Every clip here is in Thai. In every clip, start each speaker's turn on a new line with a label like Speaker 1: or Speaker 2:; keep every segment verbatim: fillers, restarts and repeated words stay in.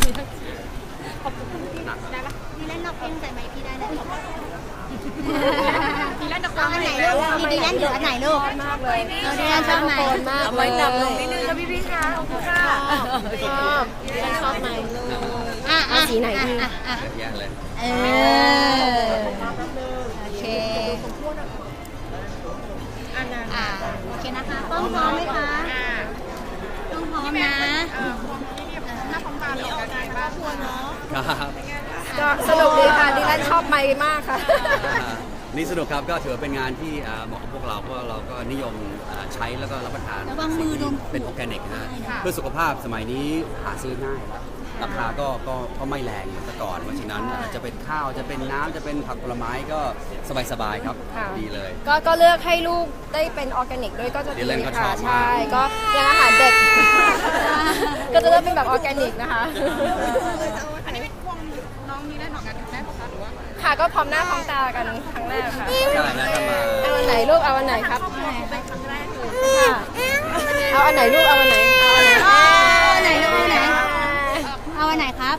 Speaker 1: ขอบคุณพี่ได้ปะ
Speaker 2: มีเล่นนอกเพลงใส่ไมค์พี่ได้เลย
Speaker 1: มีเล่นดอก
Speaker 2: เอาอันไหนลูกมีดีแลนหรืออันไหนลูก
Speaker 3: มากเลย
Speaker 2: เราดีแลนชอบไหม
Speaker 3: มากเลย
Speaker 1: ไว้จับลงนิดนึงนะพี่พี่ค่ะขอบคุณค่ะ
Speaker 3: ชอบชอบไหมลูก
Speaker 2: อ่ะ
Speaker 3: เอาสีไหนดี
Speaker 2: อ่ะอ่ะ
Speaker 4: เยอะแยะเลย
Speaker 2: เออโอเคอ่าโอเคนะคะต้องพร้อมไหมคะต้องพร้อมนะ
Speaker 1: หน้าพร้อมตาเลยออกงานบ้างควรเนาะ
Speaker 4: ครับ
Speaker 3: ก็สนุกดีค่ะดิแลนชอบไมค์มากค่ะ
Speaker 4: อ่านี่สนุกครับก็ถือว่าเป็นงานที่อ่าเหมาะกับพวกเราเพราะเราก็นิยมอ่าใช้แล้วก็รับประทาน
Speaker 2: ระวังมือโดน
Speaker 4: เป็นออร์แกนิกนะฮะเพื่อสุขภาพสมัยนี้หาซื้อง่ายราคาก็ก็ก็ไม่แรงเหมือนแต่ก่อนเพราะฉะนั้นอ่าจะเป็นข้าวจะเป็นน้ำจะเป็นผักผลไม้ก็สบายๆครับ
Speaker 3: ค่ะ
Speaker 4: ดีเลย
Speaker 3: ก็ก็เลือกให้ลูกได้เป็นออร์แกนิกด้วยก็จะ
Speaker 4: ดิ
Speaker 3: ดี
Speaker 4: แลนก็ชอ
Speaker 3: ค่ะ
Speaker 4: บมาก
Speaker 3: ใช่ก็ยังอาหารเด็ก ก็จะเลือกเป็นแบบออร์แกนิกนะคะ
Speaker 1: อันนี้เป็นพวงน้องนี้ได้หนอกงานครั้งแรกของคะหรือว่า
Speaker 3: ค่ะก็พร้อมหน้าพร้อมตากันครั้งแรกค่ะ
Speaker 4: ใช่นะถ้ามา
Speaker 3: เอาอันไหนลูกเอาอันไหนครับ
Speaker 1: เป็นครั้งแรกเลย
Speaker 3: ค่ะเอาอันไหนลูกเอาอันไหนเอาอันไหน
Speaker 2: เอาอันไหนลูกเอาอันไหนเอาอันไหนครับ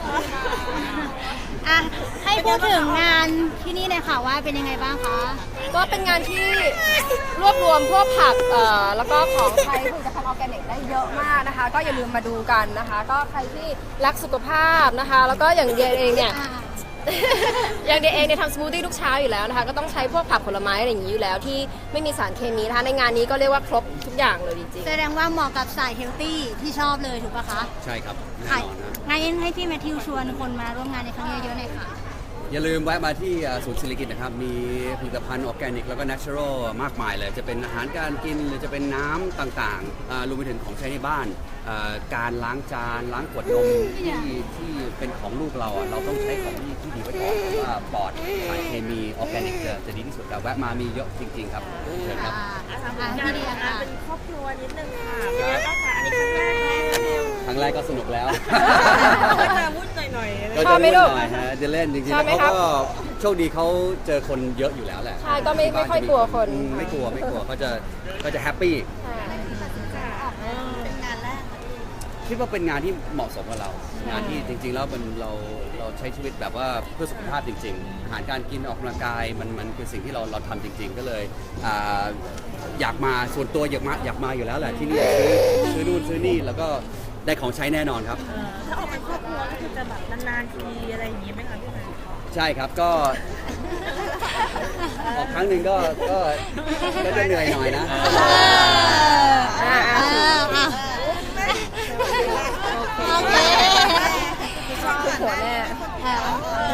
Speaker 2: อ่ะให้พูดถึงงานที่นี่เลยค่ะว่าเป็นยังไงบ้างคะ
Speaker 3: ก็เป็นงานที่รวบรวมพวกผักเอ่อแล้วก็ของใช้ผลิตภัณฑ์ออร์แกนิกได้เยอะมากนะคะ ก็อย่าลืมมาดูกันนะคะ ก็ใครที่รักสุขภาพนะคะ แล้วก็อย่างเดียเองเนี่ย
Speaker 2: อ่า
Speaker 3: อย่างเดียเองเนี่ยทำสมูทตี้ทุกเช้าอยู่แล้วนะคะ ก็ต้องใช้พวกผักผลไม้อะไรอย่างนี้อยู่แล้วที่ไม่มีสารเคมีนะคะในงานนี้ก็เรียกว่าครบทุกอย่างเลยจริง
Speaker 2: แสดงว่าเหมาะกับสายเฮลตี้ที่ชอบเลยถูกปะคะ
Speaker 4: ใช่ครับแน่
Speaker 2: ค่ะ
Speaker 4: นอนนะ
Speaker 2: งั้นให้พี่แมทธิวชวนคนมาร่วมงานในครั้งนี้เยอะๆหน่อยค่ะ
Speaker 4: อย่าลืมแวะมาที่อ่าศูนย์ศิริกิติ์นะครับ มีผลิตภัณฑ์ออร์แกนิกแล้วก็ natural มากมายเลย จะเป็นอาหารการกินหรือจะเป็นน้ำต่างๆอ่ารวมไปถึงของใช้ในบ้านอ่าการล้างจานล้างขวดนมที่ที่เป็นของลูกเราอ่ะเราต้องใช้ของที่ที่ดีไว้ก่อนเพราะว่าปลอดสารเคมีออร์แกนิกจะจะดีที่สุดแต่แวะมามีเยอะจริง ๆ ครับเชิญครับ
Speaker 2: อ่าอ่าพี่เดียค่ะ
Speaker 1: เป็นครอบครัวนิดนึงค่ะเป็นไงบ้างคะอันนี้ครั้งแรกไหม
Speaker 4: ครั้งแรกก็สนุกแล้ว
Speaker 1: ก็จะวุ่นหน่อยๆ
Speaker 4: ก็จะวุ่นหน่อยฮะเดลเล่นจริงๆ
Speaker 3: ชอบ
Speaker 4: แล้ว
Speaker 3: ไหมครับ
Speaker 4: เขาก็โชคดีเขาเจอคนเยอะอยู่แล้วแหละ
Speaker 3: ใช่ก็ไม่ไม่ค่อยกลัวคน
Speaker 4: อืมไม่กลัวไม่กลัวเขาจะเขาจะแฮปปี้
Speaker 2: เป็นงานแรก
Speaker 4: คิดว่าเป็นงานที่เหมาะสมกับเรา งานที่จริง ๆ แล้วมันเราเราใช้ชีวิตแบบว่าเพื่อสุขภาพจริง ๆ อาหารการกินออกกำลังกายมันมันคือสิ่งที่เราเราทำจริง ๆ ก็เลยอ่าอยากมาส่วนตัวอยากมาอยากมาอยู่แล้วแหละที่นี่ซื้อซื้อนู่นซื้อนี่แล้วก็ได้ของใช้แน่นอนครับ
Speaker 1: ถ้าออกเป็นครอบครัวก็คือจะแบบนานๆทีอะไรอย่างงี้ไหมคะพี่แมน
Speaker 4: ใช่ครับก็ออกครั้งหนึ่งก็ก็ก็จะเหนื่อยหน่อยนะ
Speaker 3: อ่า
Speaker 2: เอออ่ะโอเค
Speaker 3: คือหัวแน่
Speaker 2: เออ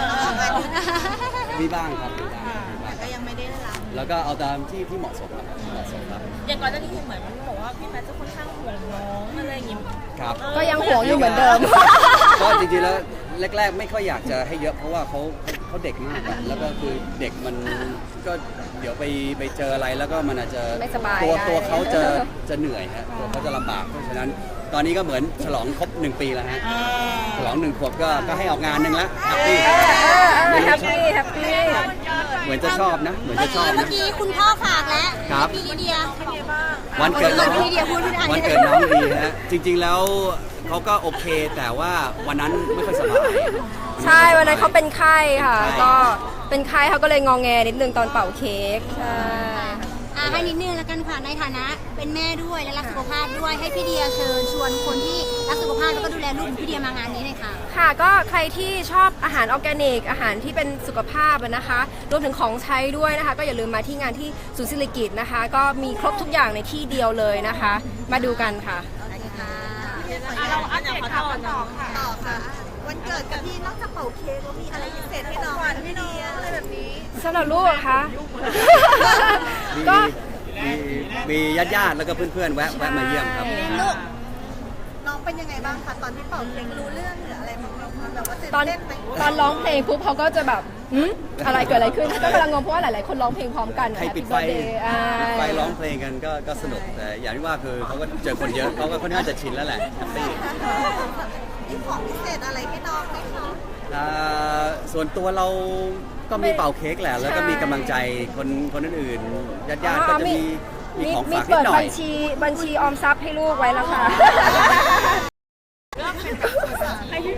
Speaker 4: มีบ้างครับมีบ้างมีบ้าง
Speaker 1: ก็ยังไม่ได้รับ
Speaker 4: แล้วก็เอาตามที่ที่เหมาะสมครับเหมาะสมครับ
Speaker 1: อย่างก่อนหน้านี้เหมือนมันบอกว่าพี่แมทจะค่อนข้างห่วงน้องอะไรอย่างงี้
Speaker 4: ครับ
Speaker 3: ก็ยังห่วงอยู่เหมือนเดิม
Speaker 4: ก็จริงๆแล้วแรก ๆ ไม่ค่อยอยากจะให้เยอะเพราะว่าเขาเขาเด็กมากอะแล้วก็คือเด็กมันก็เดี๋ยวไปไปเจออะไรแล้วก็มันอาจจะ
Speaker 3: ไม่สบาย
Speaker 4: ตัว
Speaker 3: ได้
Speaker 4: ตัวเขาจะจะเหนื่อยฮะตัวเขาจะลำบากเพราะฉะนั้นตอนนี้ก็เหมือนฉลองครบหนึ่งปีแล้วฮะฉลองหนึ่งขวบก็ก็ให้ออกงานหนึ่งแล้วแฮปปี้
Speaker 3: แฮปปี้แฮปปี้
Speaker 4: เหมือนจะชอบนะ เหมือน
Speaker 2: เมื่อ
Speaker 4: จะช
Speaker 2: กี้
Speaker 4: อบ
Speaker 2: เมื่
Speaker 4: นะ
Speaker 2: อกี้คุณพ่อฝากแล้ว
Speaker 4: ครับ
Speaker 2: พี่ลิเดีย
Speaker 4: วันเกิดน้อง
Speaker 2: พี่ลิเดียพูดไม่ได้
Speaker 4: วันเกิดน้องดีฮะจริง ๆแล้วเขาก็โอเคแต่ว่าวันนั้นไม่ค่อยสบาย
Speaker 3: ใช่วันนั้นเขาเป็นไข้ค่ะ
Speaker 4: ใช่
Speaker 3: ก็เป็นไข้เขาก็เลยงองแงนิดนึงตอนเป่าเค้กใช่
Speaker 2: อ่าให้นิดนึงแล้วกันค่ะในฐานะเป็นแม่ด้วยและรักสุขภาพด้วยให้พี่เดียเชิญชวนคนที่รักสุขภาพแล้วก็ดูแลลูกของพี่เดียมางานนี้เลยค่ะ
Speaker 3: ค่ะก็ใครที่ชอบอาหารออร์แกนิกอาหารที่เป็นสุขภาพอะนะคะรวมถึงของใช้ด้วยนะคะ ก็อย่าลืมมาที่งานที่ศูนย์ศิริกิติ์นะคะ ก็มีครบทุกอย่างในที่เดียวเลยนะคะ มาดูกันค่ะ
Speaker 1: เราอันอย่างขอต่อต่อค่ะ
Speaker 5: ต่อค่ะ วันเกิดกับพี่นอกจากเป่าเค้กแล้วมีอะไรพิเศษให้น้องไหมพี่เดียอะไรแบบนี้
Speaker 3: สำหรับลูกเหรอคะ
Speaker 4: มี
Speaker 3: ก็
Speaker 4: มีมีญาติญาติๆแล้วก็เพื่อนๆแวะแวะมาเยี่ยมครับ
Speaker 5: ลูกน้องเป็นยังไงบ้างคะตอนที่เป่าเค้กรู้เรื่องหรืออะไรบ้างไหมแบบว่าตื่น
Speaker 3: ตอน
Speaker 5: เต้นไหม
Speaker 3: ตอนร้องเพลงปุ๊บเขาก็จะแบบหืมอะไรเกิดอะไรขึ้นก็กำลังงงเพราะว่าหลายๆคนร้องเพลงพร้อมกัน
Speaker 4: ใคร
Speaker 3: Happy
Speaker 4: ปิดไฟ
Speaker 3: Birthday อ่า
Speaker 4: ปิดไฟร้องเพลงกันก็ก็สนุกแต่อย่างที่ว่าคือเขาก็เจอคนเยอะเขาก็ค่อนข้างจะชินแล้วแหละแฮปปี้
Speaker 5: มีของพิเศษอะไรให้น้องไหมคะ
Speaker 4: อ่าส่วนตัวเราก็มีเป่าเค้กแหละ แล้วก็มีกำลังใจคนคนอื่นๆญาติญาติๆก็จะมีมีของ
Speaker 3: มี
Speaker 4: ฝากนิ
Speaker 3: เปิ
Speaker 4: ด
Speaker 3: ด
Speaker 4: หน่อ
Speaker 3: บั
Speaker 4: ย
Speaker 3: ญชีบัญชีออมทรัพย์ให้ลูกไว้แล้วค่ะ
Speaker 1: ให้พี่แมท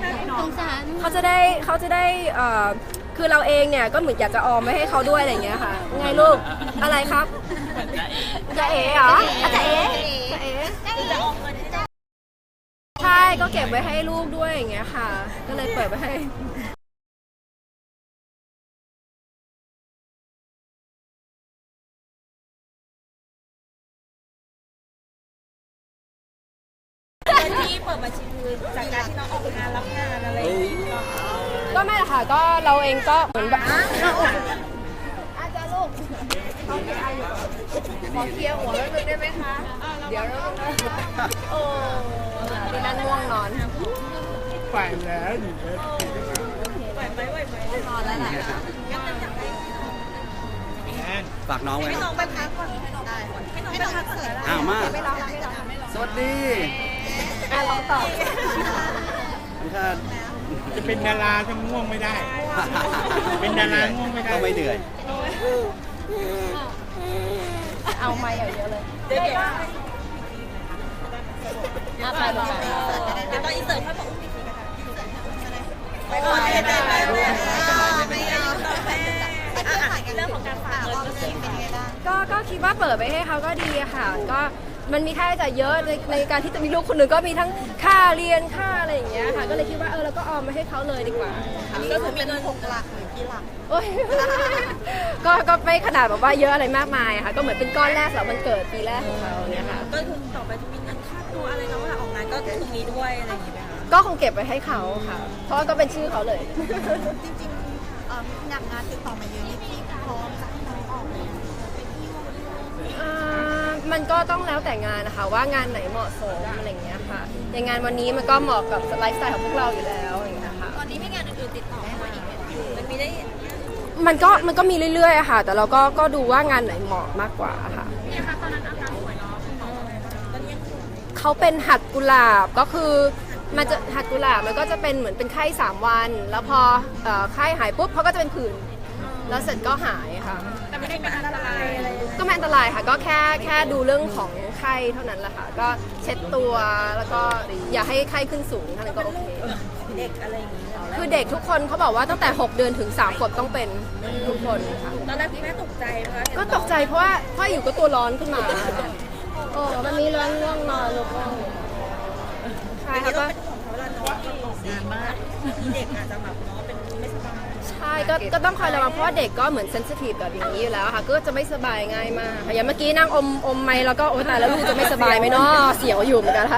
Speaker 2: สงสาร
Speaker 3: เขาจะได้เขาจะได้เอ่อคือเราเองเนี่ยก็เหมือนอยากจะออมไว้ให้เขาด้วยอะไรอย่างเงี้ยค่ะไงลูกอะไรครับจะเอ๋เหรอจะเอ๋จะเอ๋ใช่ก็เก็บไว้ให้ลูกด้วยอย่างเงี้ยค่ะ ก็เลยเปิดไว้ให้
Speaker 5: ที่เปิดบัญชีคือจากการที่น้องออกงานรับงานอะไรอย่างเงี้ย
Speaker 3: ก็ไม่หรอกค่ะก็เราเองก็เหมือนแบบอาจารย์ลูกขอเคลียร์หัวแล้วนึงได้ไหมคะเดี๋ยวเราโอ้ที่นั่นง่วงนอน
Speaker 6: ไปแล้ว
Speaker 5: ไหวไหมไหวไหม
Speaker 3: นอนแล้วแหละ
Speaker 4: ฝากน้องไว้
Speaker 5: ให้
Speaker 4: นะ
Speaker 5: น้องไปพักก่อนได้ให้น้องไปพักก่อน
Speaker 4: อ้าวมา
Speaker 5: ไม่รอไม่รอไม่รอ
Speaker 4: สวัสดี
Speaker 3: อ่ะลองตอบ
Speaker 4: ถ้า
Speaker 6: จะเป็นดาราจะง่วงไม่ได้ เป็นดาราง่วงไม่ได้
Speaker 4: ก็ไม่เหนื่อย
Speaker 3: เอาไม้เยอะเลย
Speaker 5: เดี๋ยวเดี๋ยว
Speaker 3: อ่ะไปไป
Speaker 5: เดี๋ยวตอนอินเสิร์ตค่อยบอกอุ้มอีกทีนะคะไปก่อนไปไปไปไปไปเรื่องของการฝากเงินเมื่อกี้เป็นยังไงบ้าง
Speaker 3: ก็ก็คิดว่าเปิดไปให้เขาก็ดีอะค่ะ ก็มันมีค่าใช้จ่ายเยอะในในการที่จะมีลูกคนหนึ่งก็มีทั้งค่าเรียนค่าอะไรอย่างเงี้ยค่ะ ก็เลยคิดว่าเออเราก็ออมมาให้เขาเลยดีกว่า
Speaker 5: อันนี้ก็คือเป็นเงินหกหลักหรือกี่หลัก
Speaker 3: โอ้ย ก็ก็ไม่ขนาดแบบว่าเยอะอะไรมากมายอะค่ะ ก็เหมือนเป็นก้อนแรกสำหรับวันเกิดปีแรกของเขาเนี่ยค่ะ
Speaker 5: ก็คือต่อไปจะมีเงินค่าตัวอะไรนะว่าออกงานก็คือมีด้วยอะไรอย่างเงี้ยไหมคะ
Speaker 3: ก็คงเก็บไว้ให้เขาค่ะ เพราะว่าก็เป็นชื่อเขาเลย
Speaker 5: จริงๆเอ่อมีงานงานติดต่อมาเยอะนี่พี่พร้อมจะให้น้องออกเลย
Speaker 3: อ่ามันก็ต้องแล้วแต่งานนะคะว่างานไหนเหมาะสมอะไรอย่างเงี้ยค่ะอย่างงานวันนี้มันก็เหมาะกับไลฟ์สไตล์ของพวกเราอยู่แล้วอย่างเงี้ยค่ะ
Speaker 5: ตอนนี้มีงานอื่นๆติดต่อมาอีกไหมมันมีได้
Speaker 3: มันก็มันก็มีเรื่อยๆอะค่ะ แต่เราก็ก็ดูว่างานไหนเหมาะมากกว่าค่ะเขาเป็นหัดกุหลาบก็คือมันจะหัดกุหลาบมันก็จะเป็นเหมือนเป็นไข้สามวัน แล้วพอเอ่อไข้หายปุ๊บเขาก็จะเป็นผื่นแล้วเสร็จก็หายค่ะ
Speaker 5: แต่ไม่ได้เป็นอันตรายอะไร
Speaker 3: ก็ไม่อันตรายค่ะ ก็แค่แค่ดูเรื่องของไข้เท่านั้นแหละค่ะ ก็เช็ดตัวแล้วก็อย่าให้ไข้ขึ้นสูงเท่านั้นก็โอเค
Speaker 5: เด็กอะไรอย่างเงี้ย
Speaker 3: คือเด็กทุกคนเขาบอกว่าตั้งแต่หกเดือนถึงสามขวบต้องเป็นทุกคนค่ะ
Speaker 5: ตอนแรกคุณแม่ตกใจไหมคะ
Speaker 3: ก็ตกใจเพราะว่าพ่ออยู่ก็ตัวร้อนขึ้นมาโอ้มันมีร้อนง่วงนอนลูกใช่ค่ะก็
Speaker 5: ของเขาเวลาน้องงานมากเด็กอาจจะแบบน้องเป็นไม่สบาย
Speaker 3: ใช่ก็ก็ต้องคอยระวังเพราะว่าเด็กก็เหมือนเซนซิทีฟกับอย่างนี้อยู่แล้วค่ะก็จะไม่สบายง่ายมากค่ะอย่างเมื่อกี้นั่งอมอมไม้แล้วก็โอ้ตายแล้วลูกจะไม่สบายไหมเนาะเสียวอยู่เหมือนกันค่ะ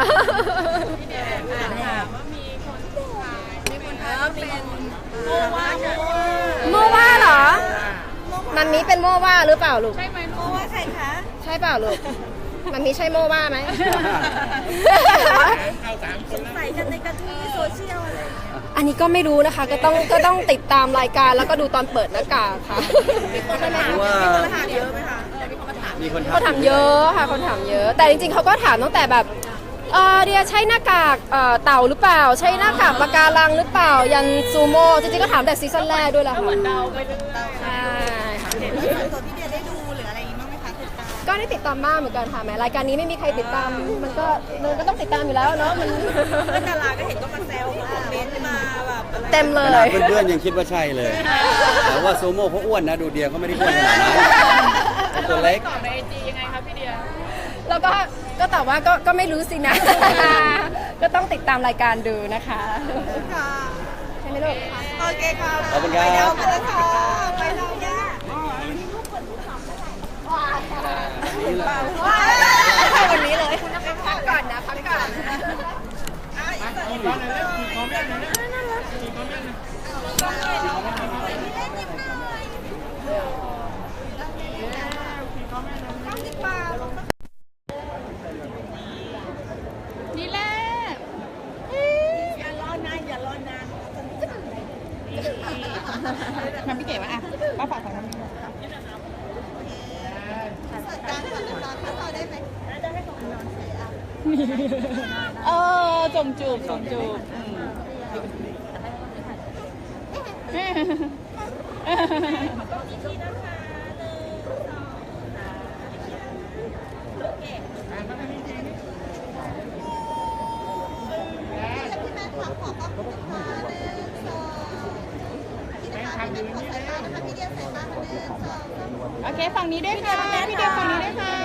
Speaker 5: โมว่าโมว่า
Speaker 3: โมว่าเหรอมันมีเป็นโมว่าหรือเปล่าลูก
Speaker 5: ใช่ไหมโมว่าใครคะ
Speaker 3: ใช่เปล่าลูกมันมีใช่โมว่าไหม
Speaker 6: เข้าสามค
Speaker 5: ส
Speaker 6: น
Speaker 5: ง
Speaker 6: แล้ว
Speaker 5: สัยกันในกระทู้ในโซเชียลอะไร
Speaker 3: อันนี้ก็ไม่รู้นะคะก็ต้องก็ต้องติดตามรายการแล้วก็ดูตอนเปิดหน้ากากค่ะ
Speaker 4: เพราะว่า
Speaker 5: ถามเยอะไหมคะมีคนมาถาม
Speaker 4: มีคน
Speaker 3: เขาถามเยอะค่ะเขาถามเยอะ แต่จริงๆเขาก็ถามตั้งแต่แบบเออเดียใช้หน้ากากเอ่อเต่าหรือเปล่า ใช้หน้ากากปะการังหรือเปล่ายันซูโม่จริงๆก็ถามแต่ซีซั่นแรกด้วยแหละค่ะเหมือนเดาไปเรื่อยใช่ค่ะ
Speaker 5: ตัวพี่เดียได้ดูหรืออะไรอย่างงี้บ้างไหมคะติดตาม
Speaker 3: ก็ได้ติดตามบ้างเหมือนกันค่ะแม้รายการนี้ไม่มีใครติดตามมันก็มันก็ต้องติดตามอยู่แล้วเนาะมัน
Speaker 5: เพื่อนดาราก็เห็นก็มาแซวมาคอมเมนต์มาแบบอะไร
Speaker 3: เต็มเล
Speaker 4: ขนาด
Speaker 3: ย
Speaker 4: เพื่อนๆยังคิดว่าใช่เลย แต่ว่าซูโม่เขาอ้วนนะ ดูเดียเขาไม่ได้อ้วนขนาดนั้นเขาตัวเล็ก
Speaker 3: แล้วก็ก็ตอบว่าก็ก็ไม่รู้สินะ ก็ต้องติดตามรายการดูนะคะ
Speaker 5: ค่ะ
Speaker 3: ใช่ไหมลูก
Speaker 5: โอเคค่ะ
Speaker 4: ขอบคุณครับ
Speaker 5: ไปเดากันแล้วค่ะไปเดาย่า วันนี้เลยพักก่อนนะพักก่อน
Speaker 6: ขี่คอเลยแล้วขี่คอแม่เลยนะขี่คอแม่เลย
Speaker 1: นี่แหละ
Speaker 5: อย่ารอนานอย่ารอนาน
Speaker 1: ทำพี่เก๋วะอ่ะป้าฝากของทำพี่
Speaker 5: สัดการก่อนนอนถ้าเราได้ไหมได้ให้ของนอนเสีย
Speaker 1: เออจมจูบจมจูบ
Speaker 6: ยืนนี่แล้ว
Speaker 1: พี่เดียใส่ตาหนึ่งสอง
Speaker 5: โอเคฝั่งนี้ด้วยค่ะพี่เดียฝั่งนี้ด้วยค่ะ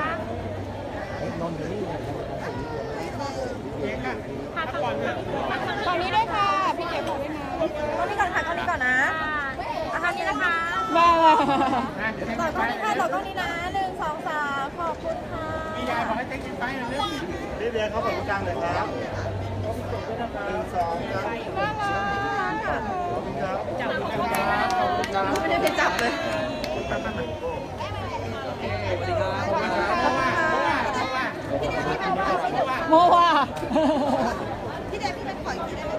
Speaker 6: เค้กอ่ะพักก่อนเลย
Speaker 5: ฝั่งนี้ด้วยค่ะพี่เดียฝั่งนี้นะ
Speaker 3: ตรงนี้ก่อนค่ะตรงนี้ก่อนนะอาหารนี้นะคะ
Speaker 5: ว้าว
Speaker 6: นะเดี๋ยวให้
Speaker 3: ต่อ
Speaker 6: ไป
Speaker 3: ตรงนี้ค่ะต่อตรงนี้นะหนึ่งสองสามขอบคุณค่ะ
Speaker 6: พี่ยายบอกให้เต็กกินไปหน่อยเร็ว
Speaker 7: พี่เบียร์เขาเปิดกลางเลยครับหนึ่งสองครับ
Speaker 5: น่ารัก
Speaker 7: ครับ
Speaker 5: ไม่ได้ไปจับเลย โมว่า
Speaker 1: พี่เดียพี่เป็นปล่อยพี่ได้ไหม